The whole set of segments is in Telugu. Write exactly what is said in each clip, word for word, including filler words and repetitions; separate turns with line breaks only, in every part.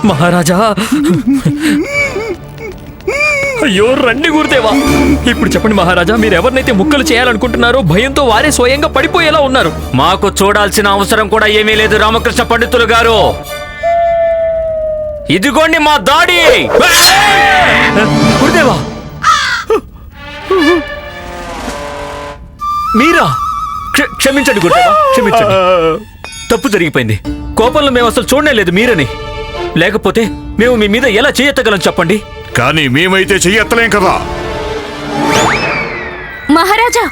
మహారాజా, అయ్యో రండి గురుదేవా. ఇప్పుడు చెప్పండి మహారాజా, మీరు ఎవరినైతే ముక్కలు చేయాలనుకుంటున్నారో భయంతో వారే స్వయంగా పడిపోయేలా ఉన్నారు.
మాకు చూడాల్సిన అవసరం కూడా ఏమీ లేదు రామకృష్ణ పండితులు గారు. ఇదిగోండి మా దాడి.
గురుదేవా, మీరా?
క్ష- క్షమించండి గురుదేవా, క్షమించండి. తప్పు జరిగిపోయింది. కోపంలో మేము అసలు చూడనే లేదు మీరని. లేకపోతే మేము మీ మీద ఎలా చేయెత్తగలం చెప్పండి.
కానీ మేమైతే చెయ్యెత్తలేం కదా.
మహారాజా,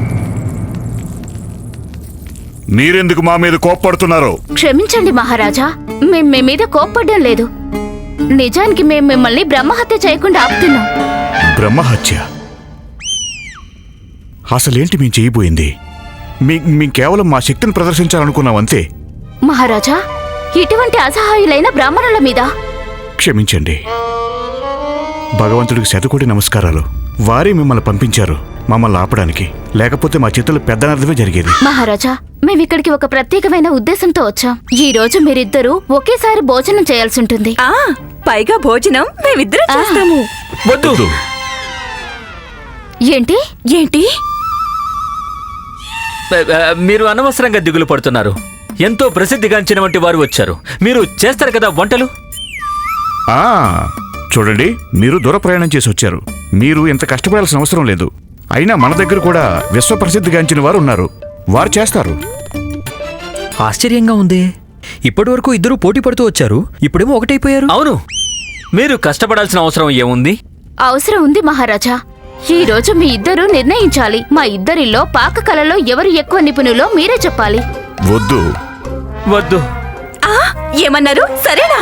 మీరెందుకు మా మీద కోప్పడుతున్నారు?
క్షమించండి మహారాజా, మేం మీ మీద కోప్పడ్డం లేదు. నిజానికి మేం మిమ్మల్ని బ్రహ్మహత్య చేయకుండా ఆపుతున్నాం.
బ్రహ్మహత్య? అసలేంటి మేం చేయబోయింది? మీ మేం కేవలం మా శక్తిని ప్రదర్శించాలనుకున్నాం అంతే.
మహారాజా, ఇటువంటి అసహాయులైన బ్రాహ్మణుల మీద
క్షమించండి. భగవంతుడికి శతకోటి నమస్కారాలు. వారే మిమ్మల్ని పంపించారు మమ్మల్ని ఆపడానికి. లేకపోతే మా చేతుల్లో పెద్ద నర్థమే జరిగేది.
మహారాజా, మేమిక్కడికి ఒక ప్రత్యేకమైన ఉద్దేశంతో వచ్చాం. ఈ రోజు మీరిద్దరూ ఒకేసారి భోజనం చేయాల్సి ఉంటుంది.
ఆ పైగా భోజనం మేమిద్దరం చేస్తాము.
వద్దు.
ఏంటి
ఏంటి?
మీరు అనవసరంగా దిగులు పడుతున్నారు. ఎంతో ప్రసిద్ధిగాంచిన వంటి వారు వచ్చారు. మీరు చేస్తారు కదా వంటలు.
ఆ చూడండి, మీరు దూర ప్రయాణం చేసి వచ్చారు. మీరు ఇంత కష్టపడాల్సిన అవసరం లేదు. అయినా మన దగ్గర కూడా విశ్వప్రసిద్ధిగాంచిన వారు ఉన్నారు. వారు చేస్తారు.
ఆశ్చర్యంగా ఉంది. ఇప్పటి వరకు ఇద్దరు పోటీ పడుతూ వచ్చారు, ఇప్పుడేమో ఒకటైపోయారు.
అవును, మీరు కష్టపడాల్సిన అవసరం ఏముంది?
అవసరం ఉంది మహారాజా. ఈ రోజు మీ ఇద్దరూ నిర్ణయించాలి. మా ఇద్దరిలో పాక కళలో ఎవరు ఎక్కువ నిపుణులో మీరే చెప్పాలి.
వద్దు
వద్దు.
ఆ ఏమన్నారు? సరేనా?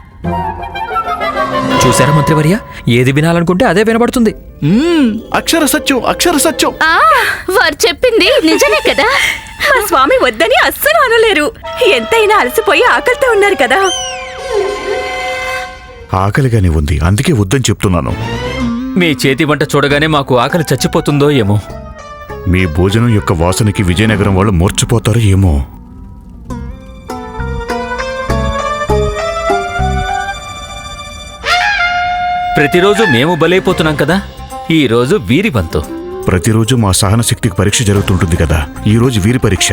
చూసారా మంత్రివర్య, ఏది వినాలనుకుంటే అదే వినబడుతుంది.
అక్షర సత్యం, అక్షర సత్యం.
ఆ వారు చెప్పింది నిజమే కదా.
మా స్వామి వద్దని అస్సలు అనలేరు. ఎంతైనా అలసిపోయి ఆకలితో ఉన్నారు కదా.
ఆకలిగానే ఉంది, అందుకే వద్దని చెప్తున్నాను.
మీ చేతి వంట చూడగానే మాకు ఆకలి చచ్చిపోతుందో ఏమో.
మీ భోజనం యొక్క వాసనకి విజయనగరం వాళ్ళు మూర్చిపోతారో ఏమో.
ప్రతిరోజు మేము బలైపోతున్నాం కదా, ఈ రోజు వీరి వంతు.
ప్రతిరోజు మా సహన శక్తికి పరీక్ష జరుగుతుంటుంది కదా, ఈ రోజు వీరి పరీక్ష.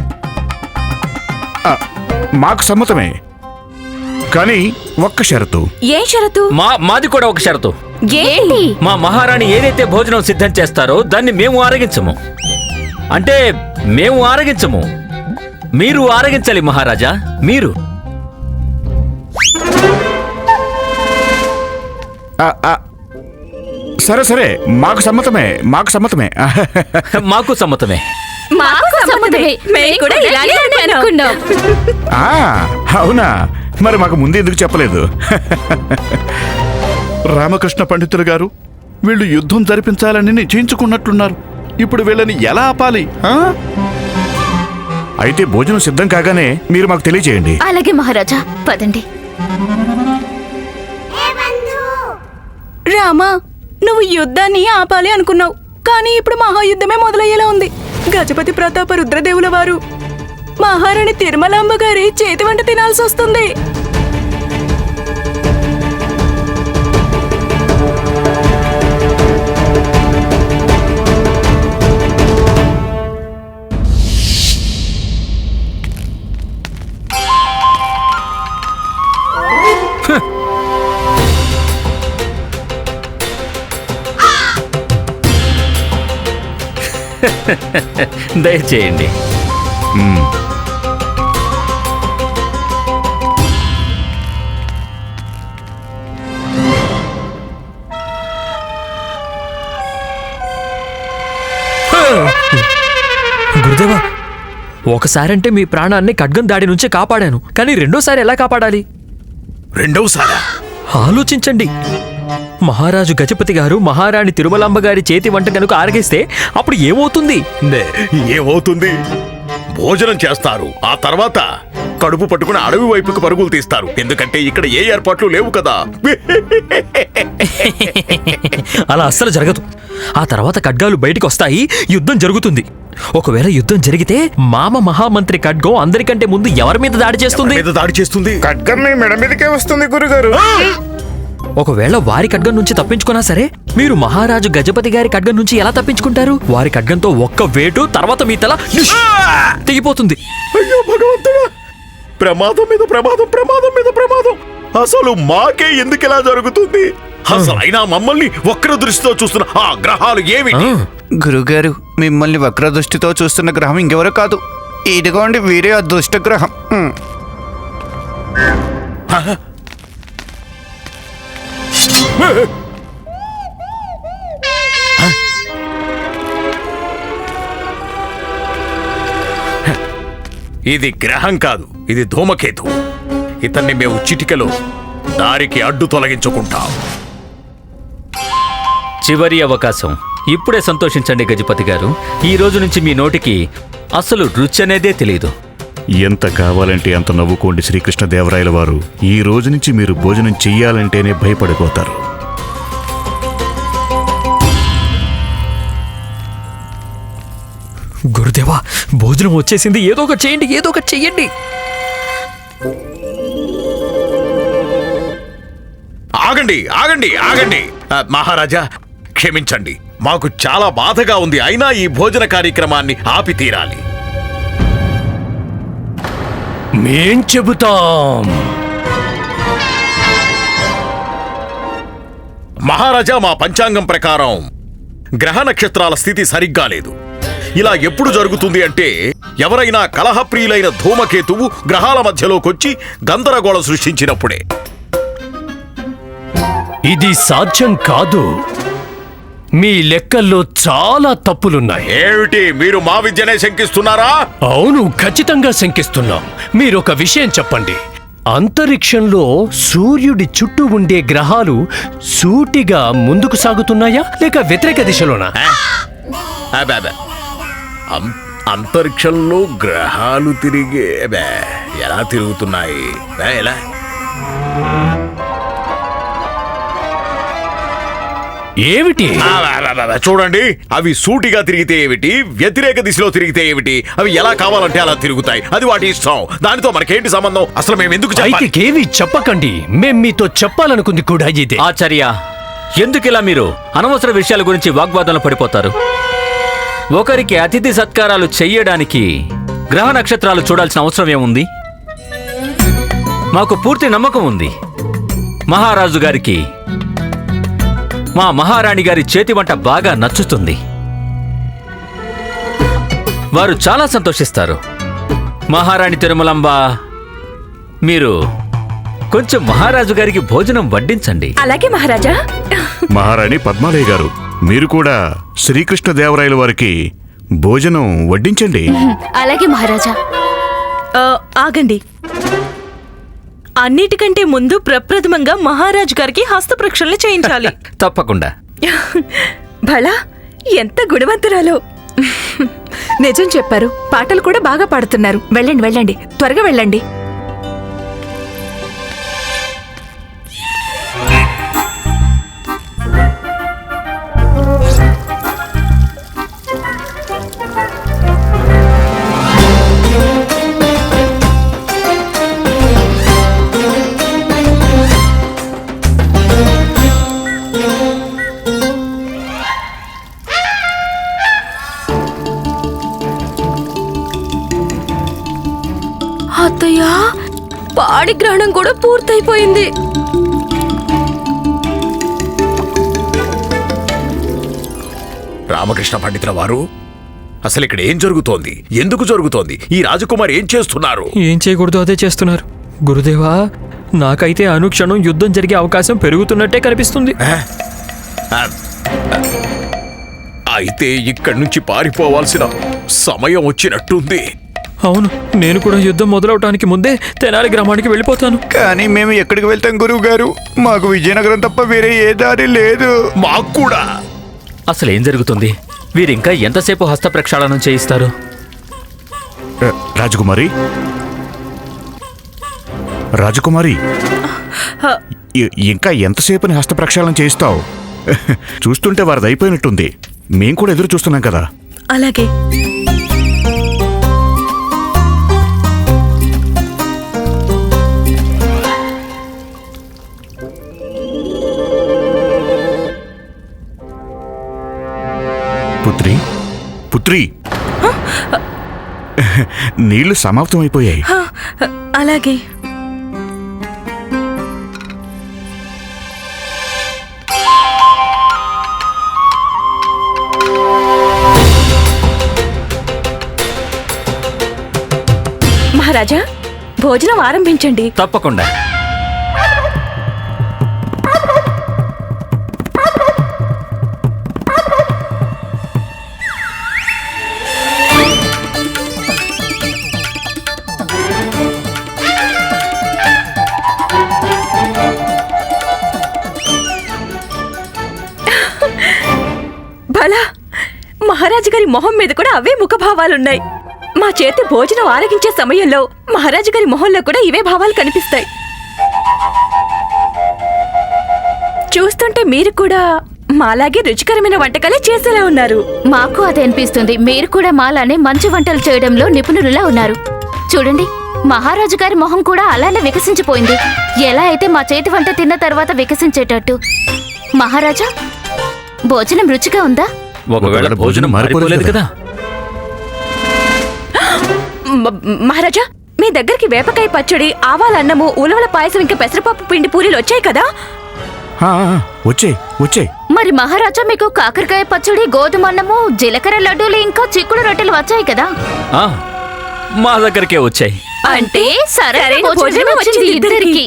ఆ, మాకు సమ్మతమే, కానీ ఒక్క షరతు.
ఏం షరతు?
మా మాది కూడా ఒక షరతు.
ఏంటి?
మా మహారాణి ఏదైతే భోజనం సిద్ధం చేస్తారో దాన్ని మేము ఆరగించము. అంటే మేము ఆరగించము, మీరు ఆరగించాలి మహారాజా. మీరు
ఆ, ఆ, సరే సరే, మాకు సమ్మతమే, మాకు సమ్మతమే.
మాకు సమ్మతమే.
మాకు సమ్మతమే. మేము కూడా ఇలానే అనుకున్నాం.
ఆ, అవునా? మరి మాకు ముందు ఎందుకు చెప్పలేదు?
రామకృష్ణ పండితులు గారు, వీళ్ళు యుద్ధం జరిపించాలని నిశ్చయించుకున్నట్లున్నారు. ఇప్పుడు వీళ్ళని ఎలా ఆపాలి? ఆ?
అయితే భోజనం సిద్ధం కాగానే మీరు మాకు తెలియజేయండి.
అలాగే మహారాజా, పదండి.
రామా, నువ్వు యుద్ధాన్ని ఆపాలి అనుకున్నావు, కానీ ఇప్పుడు మహాయుద్ధమే మొదలయ్యేలా ఉంది. గజపతి ప్రతాప రుద్రదేవుల వారు మహారాణి తిరుమలాంబ గారి చేతి వంట తినాల్సి వస్తుంది.
దయచేయండి.
గురుదేవా, ఒకసారంటే మీ ప్రాణాన్ని ఖడ్గం దాడి నుంచే కాపాడాను, కానీ రెండోసారి ఎలా కాపాడాలి?
రెండవసారా?
ఆలోచించండి. మహారాజు గజపతి గారు మహారాణి తిరుమలాంబ గారి చేతి వంట కనుక ఆరగిస్తే అప్పుడు ఏమవుతుంది?
ఏమవుతుంది? భోజనం చేస్తారు, ఆ తర్వాత కడుపు పట్టుకుని అడవి వైపుకు పరుగులు తీస్తారు. ఎందుకంటే ఇక్కడ ఏ ఏర్పాట్లు లేవు కదా.
అలా అస్సలు జరగదు. ఆ తర్వాత ఖడ్గాలు బయటికి వస్తాయి, యుద్ధం జరుగుతుంది. ఒకవేళ యుద్ధం జరిగితే మామ మహామంత్రి ఖడ్గం అందరికంటే ముందు ఎవరి మీద దాడి చేస్తుంది?
మీద దాడి చేస్తుంది.
ఖడ్గం మీ మెడ మీదకే వస్తుంది గురుగారు.
ఒకవేళ వారి ఖడ్గం నుంచి తప్పించుకున్నా సరే మీరు మహారాజు గజపతి గారి ఖడ్గం నుంచి ఎలా తప్పించుకుంటారు? వారి ఖడ్గంతో ఒక్క వేటు, తర్వాత మీ తల నిష్ తెగిపోతుంది.
అయ్యో భగవంతుడా, ప్రమాదం మీద ప్రమాదం, ప్రమాదం మీద ప్రమాదం. అసలు మాకే ఎందుకు ఇలా జరుగుతుంది? అసలు అయినా మమ్మల్ని వక్ర దృష్టితో చూస్తున్న ఆ గ్రహాలు ఏమిటి?
గురుగారు, మిమ్మల్ని వక్రదృష్టితో చూస్తున్న గ్రహం ఇంకెవరో కాదు, ఇదిగోండి వీరే అదృష్ట గ్రహం. ఉమ్.
ఇది గ్రహం కాదు, ఇది ధూమకేతు. ఇతన్ని మేము చిటికలో దారికి అడ్డు తొలగించుకుంటాం.
చివరి అవకాశం. ఇప్పుడే సంతోషించండి గజపతి గారు. ఈ రోజు నుంచి మీ నోటికి అసలు రుచి అనేదే తెలియదు.
ఎంత కావాలంటే అంత నవ్వుకోండి శ్రీకృష్ణదేవరాయల వారు. ఈ రోజు నుంచి మీరు భోజనం చెయ్యాలంటేనే భయపడిపోతారు.
గురుదేవా, భోజనం వచ్చేసింది. ఏదో ఒక చేయండి, ఏదో ఒక చెయ్యండి.
ఆగండి ఆగండి ఆగండి ఆ, మహారాజా క్షమించండి, మాకు చాలా బాధగా ఉంది. అయినా ఈ భోజన కార్యక్రమాన్ని ఆపి తీరాలి.
మేం చెబుతాం.
మహారాజా, మా పంచాంగం ప్రకారం గ్రహ నక్షత్రాల స్థితి సరిగ్గా లేదు. ఇలా ఎప్పుడు జరుగుతుంది అంటే ఎవరైనా కలహప్రియులైన ధూమకేతువు గ్రహాల మధ్యలోకొచ్చి గందరగోళం సృష్టించినప్పుడే.
ఇది సాధ్యం కాదు. మీ లెక్కల్లో చాలా తప్పులున్నాయి.
ఏమిటి, మీరు మా విద్యనే శంకిస్తున్నారా?
అవును, ఖచ్చితంగా శంకిస్తున్నాం. మీరొక విషయం చెప్పండి. అంతరిక్షంలో సూర్యుడి చుట్టూ ఉండే గ్రహాలు సూటిగా ముందుకు సాగుతున్నాయా లేక వ్యతిరేక దిశలోనా?
అబ్బే, అబ్బే. అం- అంతరిక్షంలో గ్రహాలు తిరిగే అబ్బే, ఎలా తిరుగుతున్నాయి? ఏ, ఎలా?
ఏమిటి?
ఆ, ఆ, ఆ, ఆ, చూడండి, అవి సూటిగా తిరిగితే ఏమిటి, వ్యతిరేక దిశలో తిరిగితే ఏమిటి, అవి ఎలా కావాలంటే అలా తిరుగుతాయి. అది వాటి ఇష్టం. దానితో మనకేంటి సంబంధం? అసలు మేము ఎందుకు చెప్పాలి?
అయితే ఏవి చెప్పకండి. మేం మీతో చెప్పాలనుకుంది కూడా ఇదే.
ఆచార్య, ఎందుకిలా మీరు అనవసర విషయాల గురించి వాగ్వాదంలో పడిపోతారు? ఒకరికి అతిథి సత్కారాలు చెయ్యడానికి గ్రహ నక్షత్రాలు చూడాల్సిన అవసరం ఏముంది? మాకు పూర్తి నమ్మకం ఉంది. మహారాజు గారికి మా మహారాణి గారి చేతి వంట బాగా నచ్చుతుంది. వారు చాలా సంతోషిస్తారు. మహారాణి తిరుమలంబ, మీరు కొంచెం మహారాజు గారికి భోజనం వడ్డించండి.
అలాగే మహారాజా.
మహారాణి పద్మాలయ గారు, మీరు కూడా శ్రీకృష్ణదేవరాయల వారికి భోజనం వడ్డించండి.
అలాగే మహారాజా.
ఆ, ఆగండి. అన్నిటికంటే ముందు ప్రప్రథమంగా మహారాజు గారికి హస్తప్రక్షాళన చేయించాలి.
తప్పకుండా.
భళా, ఎంత గుణవంతురాలో. నిజం చెప్పారు. పాటలు కూడా బాగా పాడుతున్నారు. వెళ్ళండి వెళ్ళండి, త్వరగా వెళ్ళండి. అత్తయ్య, పాడి గ్రహణం కూడా పూర్తయిపోయింది.
రామకృష్ణ పండితుల వారు, అసలు ఇక్కడ ఏం జరుగుతోంది? ఎందుకు జరుగుతోంది? ఈ రాజకుమారి ఏం చేస్తున్నారు?
ఏం చేయకూడదు అదే చేస్తున్నారు. గురుదేవా, నాకైతే అనుక్షణం యుద్ధం జరిగే అవకాశం పెరుగుతున్నట్టే కనిపిస్తుంది.
ఆ, ఆ, అయితే ఇక్కడి నుంచి పారిపోవాల్సిన సమయం వచ్చినట్టుంది.
అవును, నేను కూడా యుద్ధం మొదలవటానికి ముందే తెనాలి గ్రామానికి వెళ్ళిపోతాను.
కానీ మేము ఎక్కడికి వెళ్తాం గురువు గారు? మాకు విజయనగరం తప్ప వేరే ఏ దారి లేదు.
మాకు కూడా.
అసలు ఏం జరుగుతుంది? వీరింకా ఎంతసేపు హస్త ప్రక్షాళనం చేయిస్తారు?
రాజకుమారి, రాజకుమారి, ఇ- ఇంకా ఎంతసేపని హస్త ప్రక్షాళన చేయిస్తావు? చూస్తుంటే వారిది అయిపోయినట్టుంది. మేం కూడా ఎదురు చూస్తున్నాం కదా.
అలాగే.
పుత్రి నీళ్లు సమాప్తం అయిపోయాయి.
హ, అలాగే. మహారాజా, భోజనం ఆరంభించండి.
తప్పకుండా.
భలా, మహారాజు గారి మొహం మీద కూడా అవే ముఖభావాలున్నాయి. మా చేతి భోజనం ఆరగించే సమయంలో మహారాజు గారి మొహంలో కూడా ఇవే భావాలు కనిపిస్తాయి. చూస్తుంటే మీరు కూడా మాలాగే రుచికరమైన వంటకాలే చేసేలా ఉన్నారు.
మాకు అదే అనిపిస్తుంది. మీరు కూడా మాలానే మంచి వంటలు చేయడంలో నిపుణులులా ఉన్నారు. చూడండి, మహారాజు గారి మొహం కూడా అలానే వికసించిపోయింది. ఎలా అయితే మా చేతి వంట తిన్న తర్వాత వికసించేటట్టు. మహారాజా, భోజనం రుచిగా ఉందా?
ఒకవేళ భోజనం మారిపోలేదు కదా.
మ- మహారాజా, మీ దగ్గరికి వేపకాయ పచ్చడి, ఆవాల అన్నము, ఉలవల పాయసం, ఇంకా పెసరపప్పు పిండి పూరీలు వచ్చాయి కదా?
ఆ, ఆ, వచ్చాయి వచ్చాయి.
మరి మహారాజా, మీకు కాకరకాయ పచ్చడి, గోధుమ అన్నము, జీలకర్ర లడ్డూలు, ఇంకా చిక్కుడు రొట్టెలు వచ్చాయి కదా?
ఆ, మా దగ్గరికే వచ్చాయి.
అంటే సరైన
సరైన
భోజనం
భోజనం
వచ్చింది
వచ్చింది
ఇద్దరికి.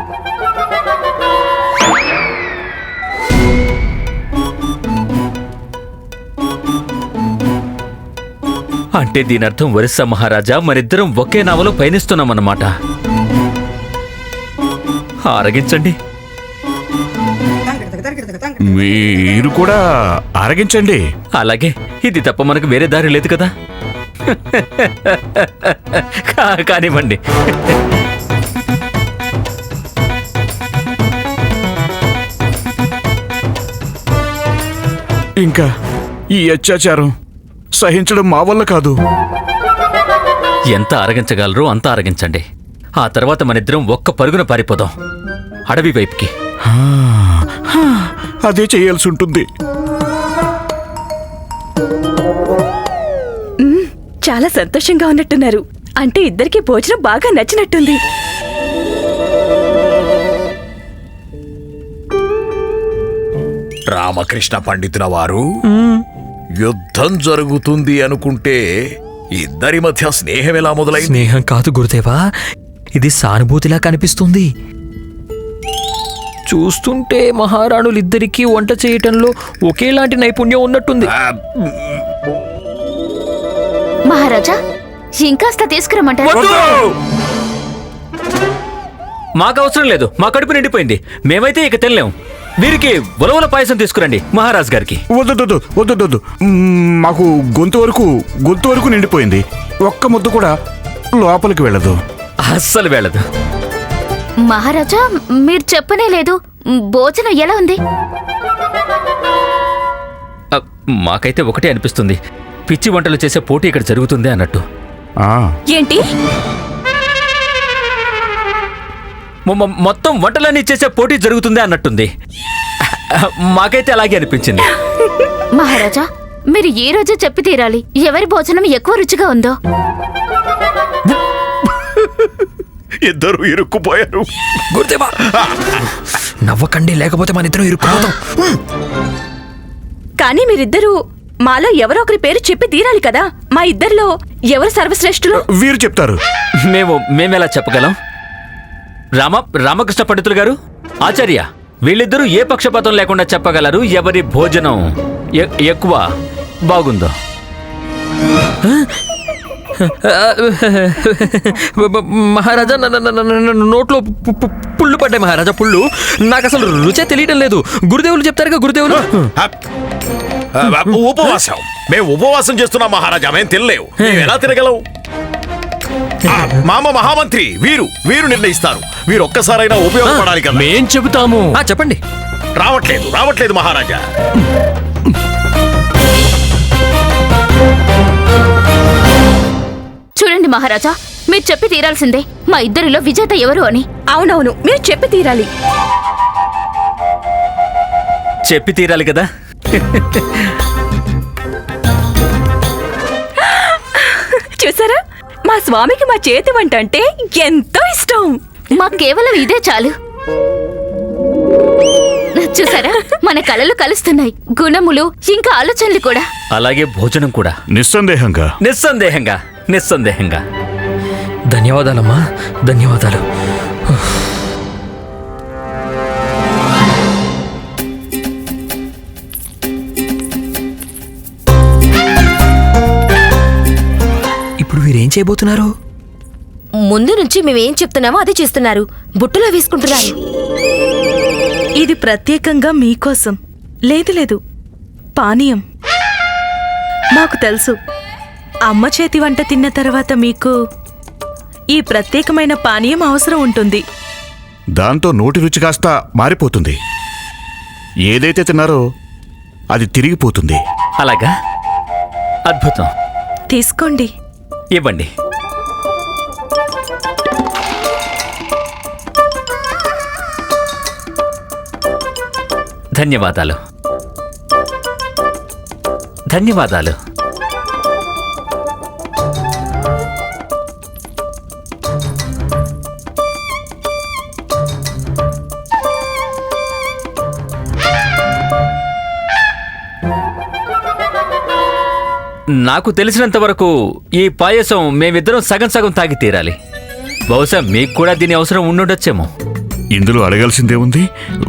అంటే దీని అర్థం ఒరిస్సా మహారాజా మరిద్దరం ఒకే నావలో పయనిస్తున్నామన్నమాట. ఆరగించండి.
మీరు కూడా ఆరగించండి.
అలాగే, ఇది తప్ప మనకు వేరే దారి లేదు కదా. కా- కానివ్వండి.
ఇంకా ఈ అత్యాచారం సహించడం మా వల్ల కాదు.
ఎంత ఆరగించగలరో అంత ఆరగించండి. ఆ తర్వాత మనిద్దరం ఒక్క పరుగున పారిపోదాం అడవి వైపుకి.
ఆ, ఆ, అదే చేయాల్సి ఉంటుంది.
చాలా సంతోషంగా ఉన్నట్టున్నారు. అంటే ఇద్దరికి భోజనం బాగా నచ్చినట్టుంది.
రామకృష్ణ పండితుల వారు, యుద్ధం జరుగుతుంది అనుకుంటే ఇద్దరి మధ్య స్నేహం ఎలా మొదలైంది?
స్నేహం కాదు గురుదేవా, ఇది సానుభూతిలా కనిపిస్తుంది. చూస్తుంటే మహారాణులిద్దరికీ వంట చేయటంలో ఒకేలాంటి నైపుణ్యం ఉన్నట్టుంది.
ఆ,
మహారాజా, ఇంకాస్త తీసుకురమ్మంటారు?
మాకు అవసరం లేదు, మా కడుపు నిండిపోయింది. మేమైతే ఇక తినలేం. వీరికి ఉలవల పాయసం తీసుకురండి మహారాజ్ గారికి.
వద్దు వద్దు వద్దు, మాకు గొంతు వరకు గొంతు వరకు నిండిపోయింది. ఒక్క ముద్ద కూడా లోపలికి వెళ్ళదు.
అస్సలు వెళ్ళదు.
మహారాజా, మీరు చెప్పనే లేదు. భోజనం ఎలా ఉంది?
అ, మాకైతే ఒకటే అనిపిస్తుంది, పిచ్చి వంటలు చేసే పోటీ ఇక్కడ జరుగుతుంది అన్నట్టు.
ఆ,
ఏంటి?
మొ- మొ- మొత్తం వంటలన్నీ చేసే పోటీ జరుగుతుంది అన్నట్టుంది. మాకైతే అలాగే అనిపించింది.
మహారాజా, మీరు ఈ రోజు చెప్పి తీరాలి, ఎవరి భోజనం ఎక్కువ రుచిగా ఉందో.
ఇద్దరు ఇరుక్కుపోయారు.
గురుదేవా, నవ్వకండి, లేకపోతే మన ఇద్దరం ఇరుక్కుపోతాం.
కానీ మీరిద్దరూ మాలో ఎవరో ఒకరి పేరు చెప్పి తీరాలి కదా. మా ఇద్దరిలో ఎవరు సర్వశ్రేష్ఠులు?
వీరు చెప్తారు.
మేము మేమెలా చెప్పగలం? రామ రామకృష్ణ పండితులు గారు, ఆచార్య, వీళ్ళిద్దరూ ఏ పక్షపాతం లేకుండా చెప్పగలరు ఎవరి భోజనం ఎ- ఎక్కువ బాగుందో.
మహారాజా, న- న- న- న- న- నోట్లో పు- పు- పుళ్ళు పడ్డాయి మహారాజా, పుళ్ళు. నాకు అసలు రుచే తెలియటం లేదు. గురుదేవులు చెప్తారుగా, గురుదేవులు.
ఆ, ఆ, ఉపవాసం. మేము ఉపవాసం చేస్తున్నాం మహారాజా, మేము తినలేవు. మేము ఎలా తినగలం? ఆ, మామ మహామంత్రి వీరు వీరు నిర్ణయిస్తారు. వీరు ఒక్కసారైనా ఉపయోగపడాలి కదా.
మేం చెబుతాము.
ఆ, చెప్పండి.
రావట్లేదు రావట్లేదు మహారాజా.
చూడండి మహారాజా, మీరు చెప్పి తీరాల్సిందే మా ఇద్దరిలో విజేత ఎవరు అని.
అవునవును, మీరు చెప్పి తీరాలి.
చెప్పి తీరాలి కదా.
చూసారా, మా స్వామికి మా చేతి వంట అంటే ఎంతో ఇష్టం.
మాకు కేవలం ఇదే చాలు. చూసారా, మన కళలు కలుస్తున్నాయి, గుణములు ఇంకా ఆలోచనలు కూడా.
అలాగే భోజనం కూడా.
నిస్సందేహంగా
నిస్సందేహంగా నిస్సందేహంగా
ధన్యవాదాలమ్మా, ధన్యవాదాలు. ఇప్పుడు వీరేం చేయబోతున్నారు?
ముందు నుంచి మేమేం చెప్తున్నామో అదే చేస్తున్నారు. బుట్టలో వేసుకుంటున్నారు.
ఇది ప్రత్యేకంగా మీకోసం. లేదు లేదు, పానీయం. మాకు తెలుసు, అమ్మ చేతి వంట తిన్న తర్వాత మీకు ఈ ప్రత్యేకమైన పానీయం అవసరం ఉంటుంది.
దాంతో నోటి రుచి కాస్త మారిపోతుంది. ఏదైతే తిన్నారో అది తిరిగిపోతుంది.
అలాగా? అద్భుతం.
తీసుకోండి.
ఇవ్వండి. ధన్యవాదాలు, ధన్యవాదాలు. నాకు తెలిసినంత వరకు ఈ పాయసం మేమిద్దరం సగం సగం తాగి తీరాలి. బహుశా మీకు కూడా దీని అవసరం ఉండుండొచ్చేమో.
ఇందులో అడగాల్సిందేముంది?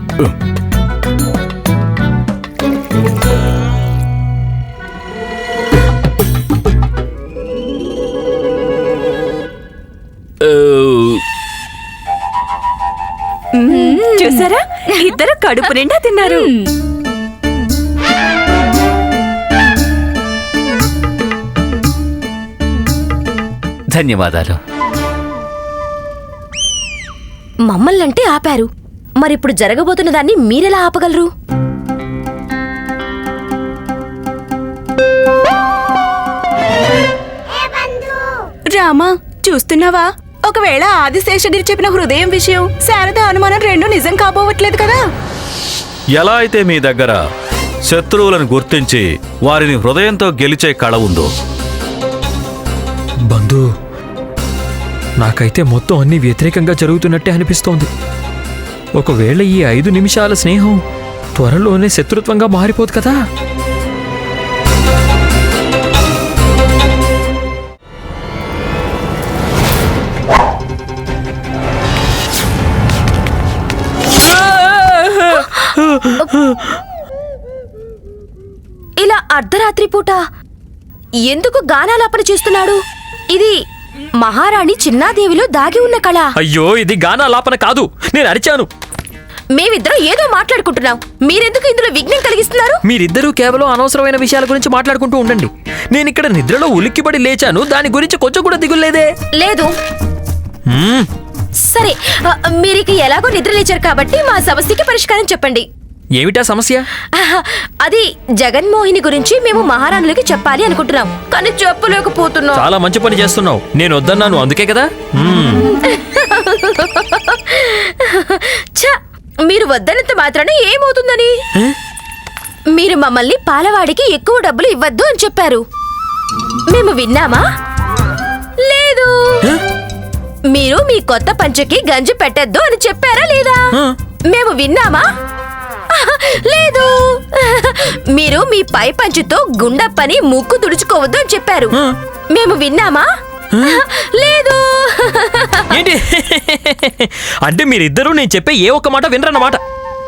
చూసారా, ఇద్దరు కడుపు నిండా తిన్నారు.
ధన్యవాదాలు.
మమ్మల్నంటే ఆపారు, మరిప్పుడు జరగబోతున్న దాన్ని మీరెలా ఆపగలరు?
రామా, చూస్తున్నావా? ఒకవేళ ఆదిశేషగిరి చెప్పిన హృదయం విషయం, శారద అనుమానం రెండు నిజం కాబోవట్లేదు కదా?
ఎలా అయితే మీ దగ్గర శత్రువులను గుర్తించి వారిని హృదయంతో గెలిచే కళ ఉందో,
బంధు, నాకైతే మొత్తం అన్ని వ్యతిరేకంగా జరుగుతున్నట్టే అనిపిస్తోంది. ఒకవేళ ఈ ఐదు నిమిషాల స్నేహం త్వరలోనే శత్రుత్వంగా మారిపోదు కదా?
ఇలా అర్ధరాత్రి పూట ఎందుకు గానాలాపన చేస్తున్నాడు? ఇది మహారాణి చిన్నాదేవిలో దాగి ఉన్న కళ.
అయ్యో, ఇది గానాలాపన కాదు, నేను అరిచాను.
మేమిద్దరం ఏదో మాట్లాడుకుంటున్నాం, మీరెందుకు ఇందులో విఘ్నం కలిగిస్తున్నారు?
మీరిద్దరూ కేవలం అనవసరమైన విషయాల గురించి మాట్లాడుకుంటూ ఉండండి. నేను ఇక్కడ నిద్రలో ఉలిక్కిపడి లేచాను, దాని గురించి కొంచెం కూడా దిగులేదు.
లేదు. సరే, మీరికి ఎలాగో నిద్ర లేచారు కాబట్టి మా సమస్యకి పరిష్కారం చెప్పండి.
ఏమిటా సమస్య?
అది జగన్మోహిని గురించి మేము మహారాణులకి చెప్పాలి అనుకుంటున్నాం, కానీ చెప్పలేకపోతున్నాం.
చాలా మంచి పని చేస్తున్నావు. నేను వద్దన్నాను, అందుకే కదా.
ఛ, మీరు వద్దనంత మాత్రాన ఏమవుతుందని? మీరు మమ్మల్ని పాలవాడికి ఎక్కువ డబ్బులు ఇవ్వద్దు అని చెప్పారు. మేము విన్నామా? లేదు. మీరు మీ కొత్త పంచకి గంజి పెట్టద్దు అని చెప్పారా లేదా? మేము విన్నామా? లేదు. మీరు మీ పై పంచుతో గుండప్పని ముక్కు తుడుచుకోవద్దు అని చెప్పారు. మేము విన్నామా? లేదు.
ఏంటి అంటే మీరిద్దరూ నేను చెప్పే ఏ ఒక్క మాట వినరన్నమాట?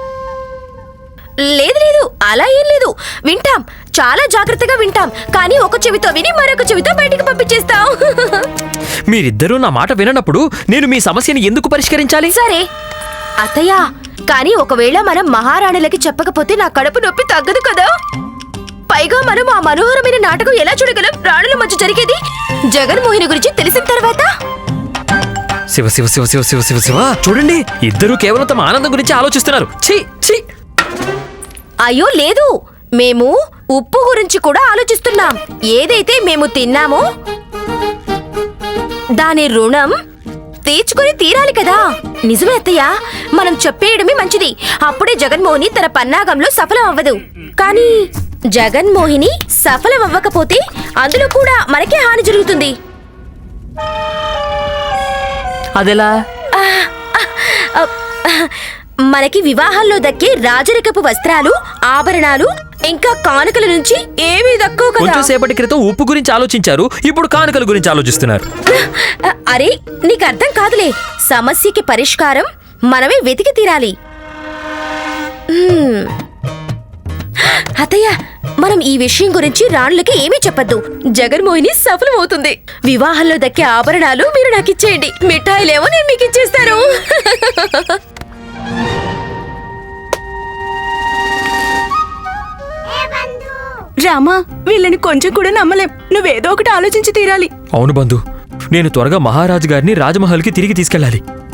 లేదు లేదు, అలా ఏం లేదు. వింటాం, చాలా జాగ్రత్తగా వింటాం, కానీ ఒక చెవితో విని మరొక చెవితో బయటికి పంపించేస్తాం.
మీరిద్దరూ నా మాట విననప్పుడు నేను మీ సమస్యని ఎందుకు పరిష్కరించాలి?
సరే అత్తయ్య, కానీ ఒకవేళ మనం మహారాణులకి చెప్పకపోతే నా కడుపు నొప్పి తగ్గదు కదా. పైగా మనం ఆ మనోహరమైన నాటకం ఎలా చూడగలం? రాణుల మధ్య జరిగేది జగన్మోహిని గురించి తెలిసిన తర్వాత.
శివ శివ శివ శివ శివ శివ శివ చూడండి, ఇద్దరూ కేవలం తమ ఆనందం గురించి ఆలోచిస్తున్నారు. ఛీ ఛీ.
అయ్యో లేదు, మేము ఉప్పు గురించి కూడా ఆలోచిస్తున్నాం. ఏదైతే మేము తిన్నామో దాని రుణం తీర్చుకుని తీరాలి కదా. నిజమే అత్తయ్య, మనం చెప్పేయడమే మంచిది. అప్పుడే జగన్మోహిని తన పన్నాగంలో సఫలం అవ్వదు. కానీ జగన్మోహిని సఫలం అవ్వకపోతే అందులో కూడా మనకే హాని జరుగుతుంది.
అదెలా?
మనకి వివాహాల్లో దక్కే రాజరికపు వస్త్రాలు, ఆభరణాలు ఇంకా కానుకల నుంచి ఏమీ దక్కవు కదా.
కొంచెం సేపటి క్రితం ఉప్పు గురించి ఆలోచించారు, ఇప్పుడు కానుకల గురించి ఆలోచిస్తున్నారు.
అరే నీకు అర్థం కాదులే. సమస్యకి పరిష్కారం మనమే వెతికి తీరాలి. హ్మ్. అత్తయ్య, మనం ఈ విషయం గురించి రాణులకి ఏమీ చెప్పద్దు. జగన్మోహిని సఫలమవుతుంది. వివాహంలో దక్కే ఆభరణాలు మీరు నాకు ఇచ్చేయండి, మిఠాయిలేమో నేను మీకు ఇచ్చేస్తాను.
రామా, వీళ్ళని కొంచెం కూడా నమ్మలేం. నువ్వేదో ఒకటి ఆలోచించి తీరాలి.
అవును బంధు, నేను త్వరగా మహారాజు గారిని రాజమహల్కి తిరిగి తీసుకెళ్ళాలి.